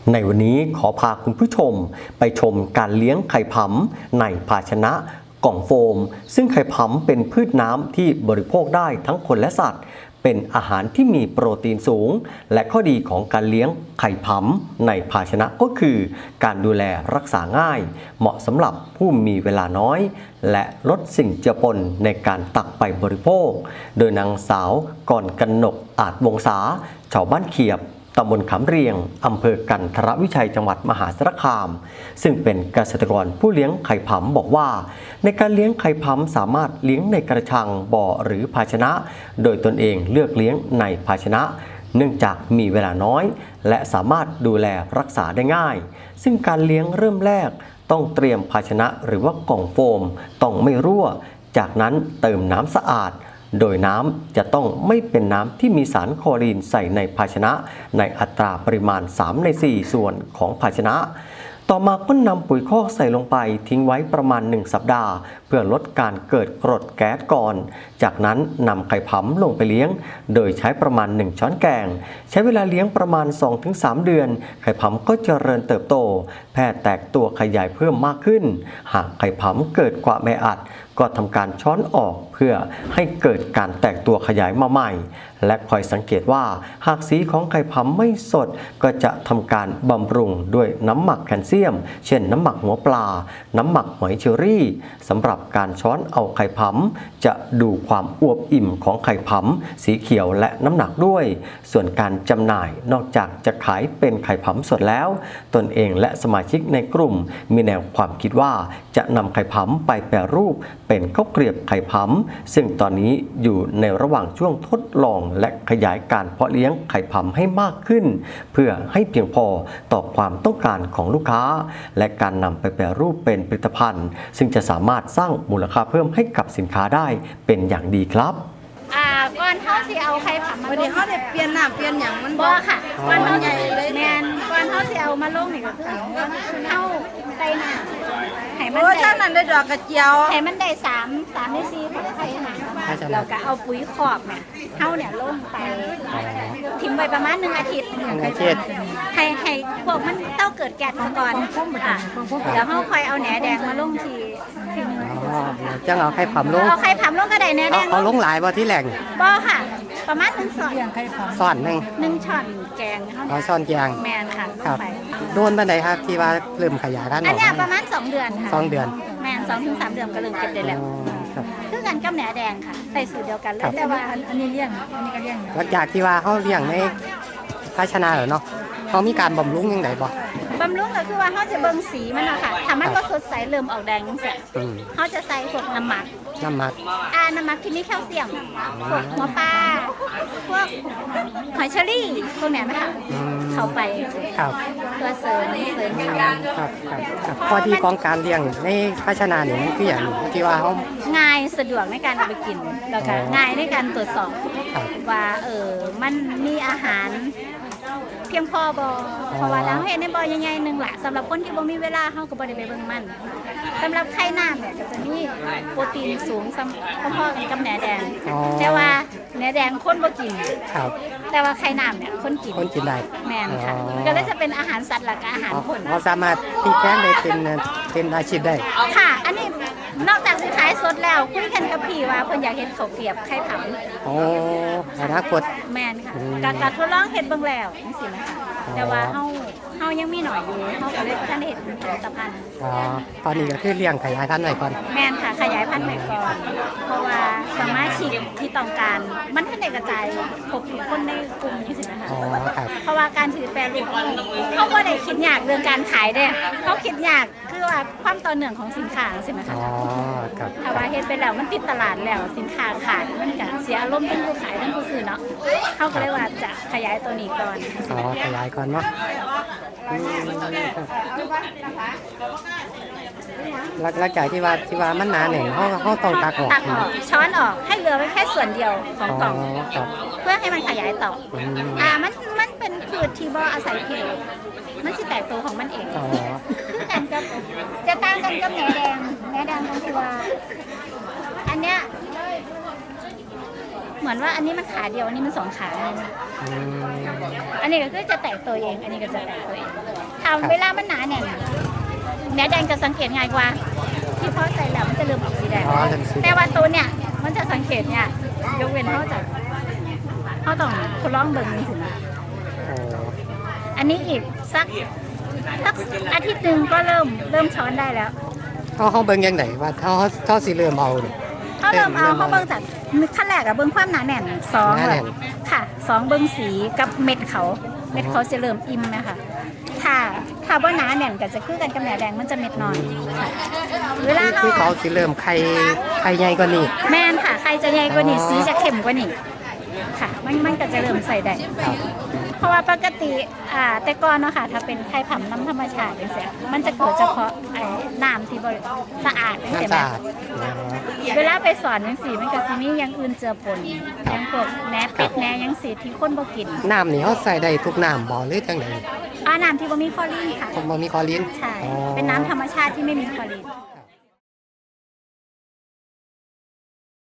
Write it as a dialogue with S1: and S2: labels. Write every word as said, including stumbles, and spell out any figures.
S1: ในวันนี้ขอพาคุณผู้ชมไปชมการเลี้ยงไข่ผำในภาชนะกล่องโฟมซึ่งไข่ผำเป็นพืชน้ำที่บริโภคได้ทั้งคนและสัตว์เป็นอาหารที่มีโปรตีนสูงและข้อดีของการเลี้ยงไข่ผำในภาชนะก็คือการดูแลรักษาง่ายเหมาะสำหรับผู้มีเวลาน้อยและลดสิ่งเจือปนในการตักไปบริโภคโดยนางสาวกรกนกอาจวงศาชาวบ้านเขียบตำบลขามเรียงอำเภอกันทรวิชัยจังหวัดมหาสารคามซึ่งเป็นเกษตรกรผู้เลี้ยงไข่ผำบอกว่าในการเลี้ยงไข่ผำสามารถเลี้ยงในกระชังบ่อหรือภาชนะโดยตนเองเลือกเลี้ยงในภาชนะเนื่องจากมีเวลาน้อยและสามารถดูแลรักษาได้ง่ายซึ่งการเลี้ยงเริ่มแรกต้องเตรียมภาชนะหรือว่ากล่องโฟมต้องไม่รั่วจากนั้นเติมน้ำสะอาดโดยน้ำจะต้องไม่เป็นน้ำที่มีสารคลอรีนใส่ในภาชนะในอัตราปริมาณสามในสี่ส่วนของภาชนะต่อมาก็นำปุ๋ยคอกใส่ลงไปทิ้งไว้ประมาณหนึ่งสัปดาห์เพื่อลดการเกิดกรดแก๊สก่อนจากนั้นนำไข่ผำลงไปเลี้ยงโดยใช้ประมาณหนึ่งช้อนแกงใช้เวลาเลี้ยงประมาณ สองถึงสาม เดือนไข่ผำก็เจริญเติบโตแพร่แตกตัวขยายเพิ่มมากขึ้นหากไข่ผำเกิดความแออัดก็ทำการช้อนออกเพื่อให้เกิดการแตกตัวขยายมาใหม่และคอยสังเกตว่าหากสีของไข่ผำไม่สดก็จะทำการบำรุงด้วยน้ำหมักแคลเซียมเช่นน้ำหมักหัวปลาน้ำหมักหอยเชอรี่สำหรับการช้อนเอาไข่ผำจะดูความอวบอิ่มของไข่ผำสีเขียวและน้ำหนักด้วยส่วนการจำหน่ายนอกจากจะขายเป็นไข่ผำสดแล้วตนเองและสมาชิกในกลุ่มมีแนวความคิดว่าจะนำไข่ผำไปแปรรูปเป็นข้าวเกรียบไข่ผำซึ่งตอนนี้อยู่ในระหว่างช่วงทดลองและขยายการเพาะเลี้ยงไข่ผำให้มากขึ้นเพื่อให้เพียงพอต่อความต้องการของลูกค้าและการนำไปแปรรูปเป็นผลิตภัณฑ์ซึ่งจะสามารถสร้างมูลค่าเพิ่มให้กับสินค้าได้เป็นอย่างดีครับ
S2: อ่าก่อนเขาสิเอาไข่ผำมาลง
S3: เขาได้เปลี่ยนน้ำเปลี่ยนอย่างมัน
S2: บ่ค่ะก่อนเขาสิแมนก่อนเขาสิเอามาลงนี่ก็คือเขาใส่น้ำให้มันได้
S3: ท่านนั้นได้ดอกกระเจียว
S2: ให้มันได้สามสามในสี่ของไข่น้ำเราก็เอาปุ๋ยคอกเนี่ยเขาเนี่ยลงไปทิ้งไว้ประมาณหนึ่งอาทิตย์หนึ่งอาทิตย์ให้ให้พวกมันเต้าเกิดแก๊สก่อนค่ะแล้วเขาคอยเอาแหนแดงมาลงทีทีนึง
S4: จังเอาไข่ผำลง
S2: เอาไข่ผำลงก็ได้แหนแดง
S4: เอาลงหลายบ่ที่แหล่ง
S2: บ่ค่ะประมาณหนึ่งส่วน
S4: ส่วนหนึ่ง
S2: หนึ่งช้อนแกง
S4: เอาช้อนแกง
S2: แมนค่ะ
S4: ครับโดนปันใดครับที่ว่าเริ่มขยายพันธุ์
S2: อันนี้ประมาณสองเดือนค่ะ
S4: สองเดือน
S2: แมนสองถึงสามเดือนก็เริ่มเก็บได้แล้วคือกันกับแหนแดงค่ะใส่สูตรเดียวกันเลยแต่ว่าอันนี้เลี้ยงอันนี้ก็เลี้ยง
S4: หลังจากที่ว่าเขาเลี้ยงในภาชนะเหรอเนาะเขามีการบำรุงยังไงบ่
S2: บำรุงก็คือว่าเขาจะเบิ่งสีมันอะค่ะถ้ามันก็สดใสเริ่มออกแดงจังซี่เขาจะใส่พวกน้ำหมัก
S4: น้ำหมัก
S2: อ่าน้ำหมักที่มีแคลเซียมพวกหัวปลาพวกหอยเชอรี่พวกเนี้ยนะคะเข้าไป
S4: ครับ
S2: ตัวเสริมเสริมเขา
S4: ครับครับข้อที่ของการเลี้ยงในภาชนะนี่มันคืออย่างที่ว่าเขา
S2: ง่ายสะดวกในการเอาไปกินแล้วก็ง่ายในการตรวจสอบว่าเออมันมีอาหารเพียงพอบอเพราะว่าแล้วเห็นในบอใหญ่ๆหนึ่งแหละสำหรับคนที่บ่มีเวลาเขาก็บ่ได้ไปเบิ่งมันสำหรับไข่น้ำเนี่ยก็จะมีโปรตีนสูงพอๆกันกับแหนแดงแต่ว่าแหนแดงคนบ่กินแต่ว่าไข่น้ำเนี่ยคนกิน
S4: คนกินได้
S2: แม่นค่ะก็เลยจะเป็นอาหารสัตว์หลักอาหารคน
S4: เราสามารถพลิกแพลงได้เป็นเป็นอาชีพได้
S2: ค่ะอันนี้นอกจากสิขายสดแล้วคุยกันกับพี่ว่าเพิ่นอยากเฮ็ดข้าวเกรียบไข่ผำ
S4: โอ้อนาคต
S2: แม่นค่ะการการทดลองเฮ็ดเบิ่งแล้วจังซี่นะคะแต่ว่าเฮาเฮายังมีหน่อยอยู่เฮาก็เลยบ่ทันได้เฮ็ดเป็นผลิตภัณฑ์
S4: อ๋อตอนนี้ก็คือเลี้ยงขยายพันธุ์ไว้ก่อน
S2: แม่นค่ะขยายพันธุ์ไว้ก่อนเพราะว่าสามารถฉีดที่ต้องการมันทันได้กระจายครบทุกคนในกลุ่มจังซี่นะคะ
S4: อ๋อครับ
S2: เพราะว่าการถือแปรรูปเขาบ่ได้คิดยากเรื่องการขายเด้เขาคิดยากคือว่าความต่อเนื่องของสินค้าจังซี่นะคะ
S4: อ๋อครับ
S2: ถ้าว่าเฮ็ดไปแล้วมันติดตลาดแล้วสินค้าขาดมันก็เสียอารมณ์ทั้งผู้ขายทั้งผู้ซื้อเนาะเขาก็เลยว่าจะขยายตัวนี้ก่อน
S4: อ๋อขยายก่อนเนาะหลังจากที่ว่าที่ว่ามันหนาหนึ่งเขาเขาต้องตักออก
S2: ตักออกช้อนออกให้เหลือไว้แค่ส่วนเดียวของกล่องเพื่อให้มันขยายต่ออ่ามันมันเป็นพืชที่บ่อาศัยเพลมันสิแตกตัวของมันเองคือกันกับจะต่างกันกับแหนแดงแหนแดงตรงที่ว่าอันเนี้ยเหมือนว่าอันนี้มันขาเดียวอันนี้มันสองขาไง
S4: อืม
S2: อันนี้ก็คือจะแตกตัวเอง อันนี้ก็จะแตกตัวเอง
S4: ครั
S2: ทำ
S4: บ
S2: เวลามันหนาเนี่ยแหนแดงจะสังเกตง่ายกว่า ที่พอใส่แล้วมันจะเริ่มออกสีแดง
S4: อ๋อเริ่มสีแดง
S2: แต่ว่าตัวเนี่ยมันจะสังเกตเนี่ยยกเว้นเขาจะเขาต้องทดลองเบิ่งถึง
S4: โอ้
S2: อันนี้อีกสักสักอาทิตย์หนึ่งก็เริ่มเริ่มช้อนได้แล้ว
S4: เขาเขาเบิ่งยังไงว่าเขาเขาสิเริ่มเอาเนี่ย
S2: เขาเริ่มเอาเขาเบิ่งจากขั้นแรกอะเบิ่งความหนาแน่นสอง
S4: หนาแน่
S2: แบบ
S4: น
S2: ค่ะสองเบิ่งสีกับเม็ดเขาเม็ดเขาจะเริ่มอิ่มนะคะถ้าถ้าว่าหนาแน่นก็จะคือกันกับแหนแดงมันจะเม็ดน้อยค่ะเวลา
S4: คือ
S2: เขา
S4: เขาสิเริ่มไข่ไข่ใหญ่กว่านี้
S2: แม่นค่ะใครจะใหญ่กว่านี้
S4: อ๋อ
S2: สีจะเข้มกว่านี้ค่ะมันมันก็จะเริ่มใส่ได้
S4: ครับ
S2: เพราะว่าปกติอ่าแต่ก่อนเนาะค่ะถ้าเป็นไข่ผำน้ำธรรมชาติอย่างเงี้ยมันจะเกิดเฉพาะไอ้น้ำที่บริสะอาดอย่างเงี้ย
S4: น้ำสะอาด
S2: เวลาไปสอนยังสีมันก็สิมีอย่างอื่นเจือปนอย่างพวกแหนเป็ดแหนยังสีที่คนบ่กิน
S4: น้ำนี่เขาใส่ได้ทุกน้ำบ่หรือจังได
S2: อ่าน้ำที่บ่มีคลอรีนค่ะ
S4: ผมบ่มีคลอรีน
S2: ใช่
S4: อ๋อ
S2: เป็นน้ำธรรมชาติที่ไม่มีคลอรีน
S4: ครับ